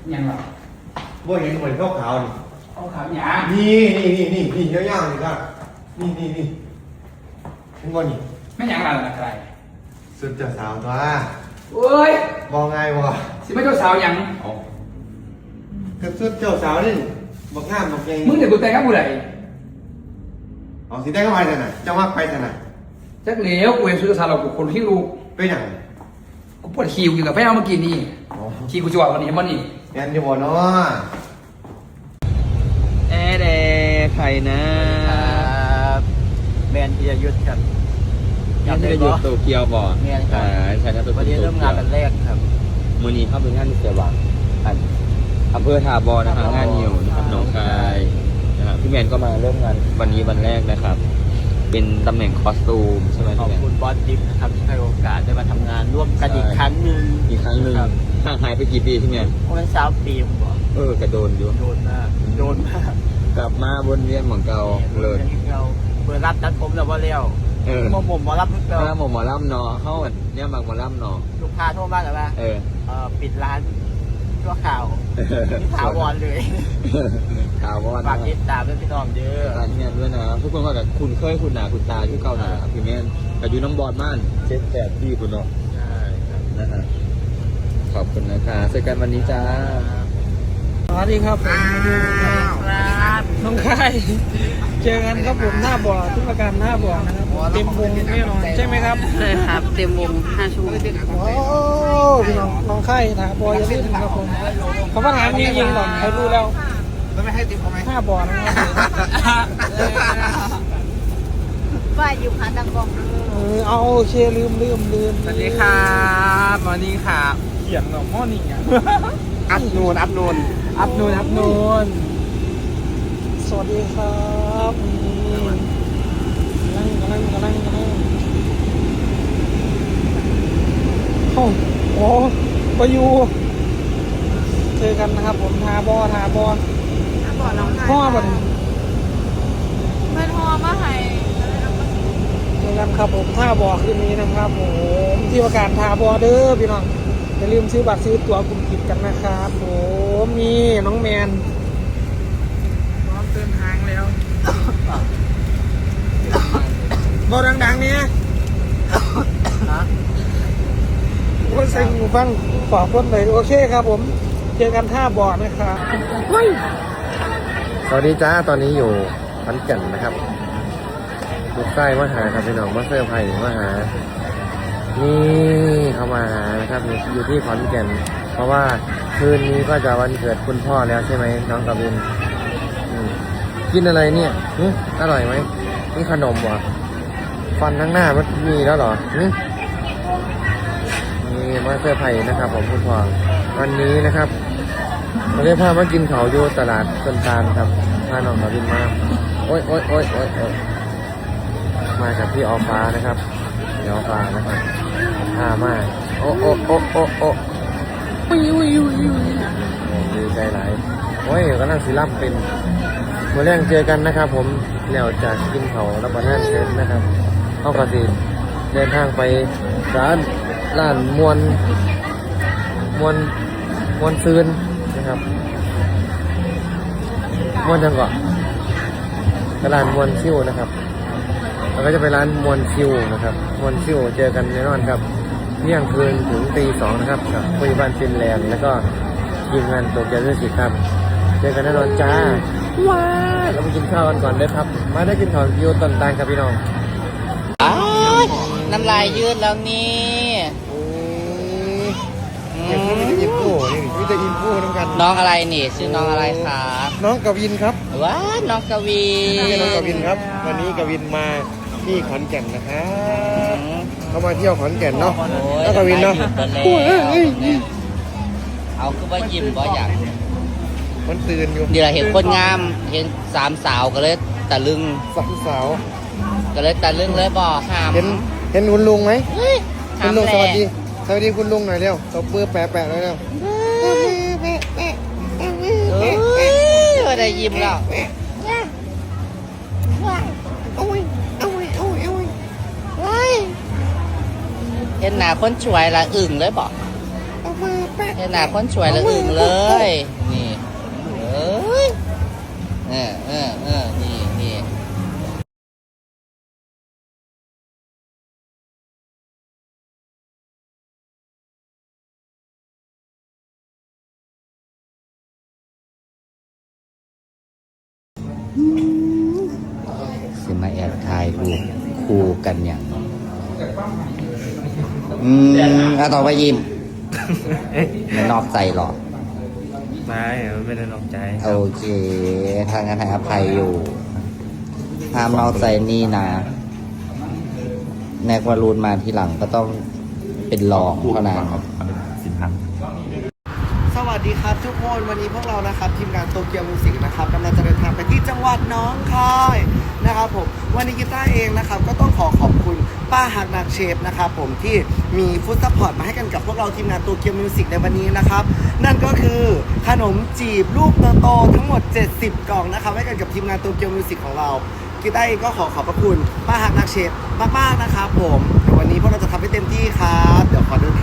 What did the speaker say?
ยังหรอบ่เห็นเหมือนขาวขาวนี่ขาวหยานี่ยาวๆนี่ครับนี่เห็นบ่นี่ไม่ยังอะไรสุดเจ้าสาวตัวโอ้ยมองไงวะสิไม่เจ้าสาวยังก็สุดเจ้าสาวนี่บอกงามบอกยังมึงเดี๋ยวกูแต่งกับกูไหนอ๋อสิได้ก็ไปแต่ไหนจะว่าไปแต่ไหนจักเหลวกูเห็นสุดสาวเรากูคนที่รู้ไปไหนกูปวดคิวอยู่กับแม่เอาเมื่อกี้นี่คิวกูจะว่าวันนี้มันนี่แอนจะบอกเนาะเดใครนะครับแมนพิยยุทธครับยังไม่ได้หยุดโตเกียวบ่แมนครับใช่ครับวันนี้เริ่มงานวันแรกครับมือนี้เข้าเป็นงานเสียหวังอำเภอทาบอนะครับงานอยู่นะครับน้องชายนะครับพี่แมนก็มาเริ่มงานวันนี้วันแรกนะครับเป็นตำแหน่งคอสตูมใช่ไหมขอบคุณบอสดิฟนะครับที่ให้โอกาสได้มาทำงานร่วมกันอีกครั้งหนึ่งห่างหายไปกี่ปีพี่แมนประมาณ3 ปีผมบอกกระโดนอยู่โดนมากกลับมาบนเวียนเหมือนเก่าเลยเปิดรับตัดผมแล้วว่าเลี้ยวหมอรับทุกเราหมอลำเนาะเข้าเนี่ยบางหมอลำเนาะลูกค้าโทรมาแต่ว่าปิดร้านชั่วข่าวถาวรเลยถาวรฝากติดตามด้วยพี่น้องเยอะตามพี่แมนด้วยนะทุกคนก็แบบคุณเคยคุณหนาคุณตาที่เก่าหนาพี่แมนกับอยู่น้องบอลม่าน7-8 ปีคุณเนาะใช่นะฮะขอบคุณนะคะเจอกันวันนี้จ้าสวัสดีครับผมน้องค่ายเจอกันครับผมหน้าบ่อทุกประการหน้าบ่อนะครับเต็มวงแน่นอนใช่ไหมครับใช่ครับเต็มวง5 ชั่วโมงโอ้พี่น้องค่ายนะบ่ออย่าลืมครับผมเขาก็ถามยิงๆก่อนใครรู้แล้วไม่ให้ติ๊บเขาไหมหน้าบ่อนะครับว่าอยู่ค่ะดังบองเอาโอเคลืมสวัสดีครับมอร์นิ่งครับเขียนหรอมอร์นิ่งอ่ะอัพนูนสวัสดีครับกำลังโอ้ไปอยู่เจอกันนะครับผมทาบอน้องพ่อแบบไม่พ่อมาให้เจอกันครับผมท่าบอคืนนี้นะครับผมที่ประกาศทาบอเด้อพี่น้องอย่าลืมซื้อบัตรซื้อตั๋วกลุ่มกิจกันนะครับผมนี่น้องแมนพร้อมเดินทางแล้วบอดังๆเนี่ยก็ใส่หูฟังฝากคนเลยโอเคครับผมเจอกันท่าบ่อนะครับสวัสดีจ้าตอนนี้อยู่ขอนแก่นนะครับลูกไส้มาหาครับพี่น้องมาเซอร์ไพรส์มาหานี่เขามาหานะครับอยู่ที่ขอนแก่นเพราะว่าคืนนี้ก็จะวันเกิดคุณพ่อแล้วใช่ไหมน้องกวินกินอะไรเนี่ยอร่อยไหมนี่ขนมเหรอฟันทั้งหน้ามันมีแล้วเหรอนี่มาเซอร์ไพรส์นะครับผมคุณพ่อวันนี้นะครับเราได้พามากินเขาอยู่ตลาดต้นตาลครับพาน้องกวินมาโอ๊ยมาจากพี่ออฟ้านะครับพี่ออฟ้านะครับพามาโอ้ดีใจหลายโอ้ยก็นั่งศิลป์เป็นเมื่อแรกเจอกันนะครับผมแล้วจากกินเขารับประทานเสร็จนะครับเข้ากระสีเดินทางไปร้านมวนซืนนะครับมวนจังก่อนร้านมวนซิ่วนะครับแล้วก็จะไปร้านมวนซิ่วนะครับมวนซิ่วเจอกันแน่นอนครับเที่ยงคืนถึงตี 2นะครับกับคุยบ้านฟินแลนด์แล้วก็ทีมงานโตเกียวมิวสิกครับเจอกันแน่นอนจ้าว้าเราไปกินข้าวกันก่อนเลยครับมาได้กินข้าวกิวต้นตาลครับพี่น้องน้ำลายยืดแล้วนี่อินฟูนี่มีแต่อินฟูทั้งกันน้องอะไรนี่ชื่อน้องอะไรคะน้องกวินครับว้าน้องกวินน้องกวินครับวันนี้กวินมาที่ขอนแก่นนะครับเขามาเที่ยวขอนแก่นเนาะน้องกวินเนาะเอาคือว่ายิ้มว่าอยากมันตื่นอยู่เดี๋ยวเห็นคนงามเห็น3 สาวก็เลยตะลึงสาวก็เลยตะลึงเลยบอกห้ามเห็นคุณลุงไหมคุณลุงสวัสดีคุณลุงหน่อยเร็วตบมือแปะหน่อยเร็วได้ยิ้มแล้วเห็นหน้าคนช่วยละอึ่งเลยบอกเห็นหน้าคนช่วยละอึ่งเลยรูปคู่กันอย่างต่อไปยิ้มไม่นอกใจหรอกไม่ได้ลองใจโอเคทางงานให้อภัยอยู่ห้ามนอกใจนี่นะแนกวารูนมาทีหลังก็ต้องเป็นรองเท่านั้นสวัสดีครับทุกคนวันนี้พวกเรานะครับทีมงานโตเกียวมิวสิกนะครับกำลังจะเดินทางไปที่จังหวัดหนองคายนะครับผมวันนี้กีตาร์เองนะครับก็ต้องขอบคุณป้าหักนักเชฟนะครับผมที่มีฟู้ดซัพพอร์ตมาให้กันกับพวกเราทีมงานโตเกียวมิวสิกในวันนี้นะครับนั่นก็คือขนมจีบลูกโตๆทั้งหมด70กล่องนะครับให้กันกับทีมงานโตเกียวมิวสิกของเรากีตาร์เองก็ขอบพระคุณป้าหักนักเชฟมากๆนะครับผมวันนี้พวกเราจะทำให้เต็มที่ครับเดี๋ยวขอเดิน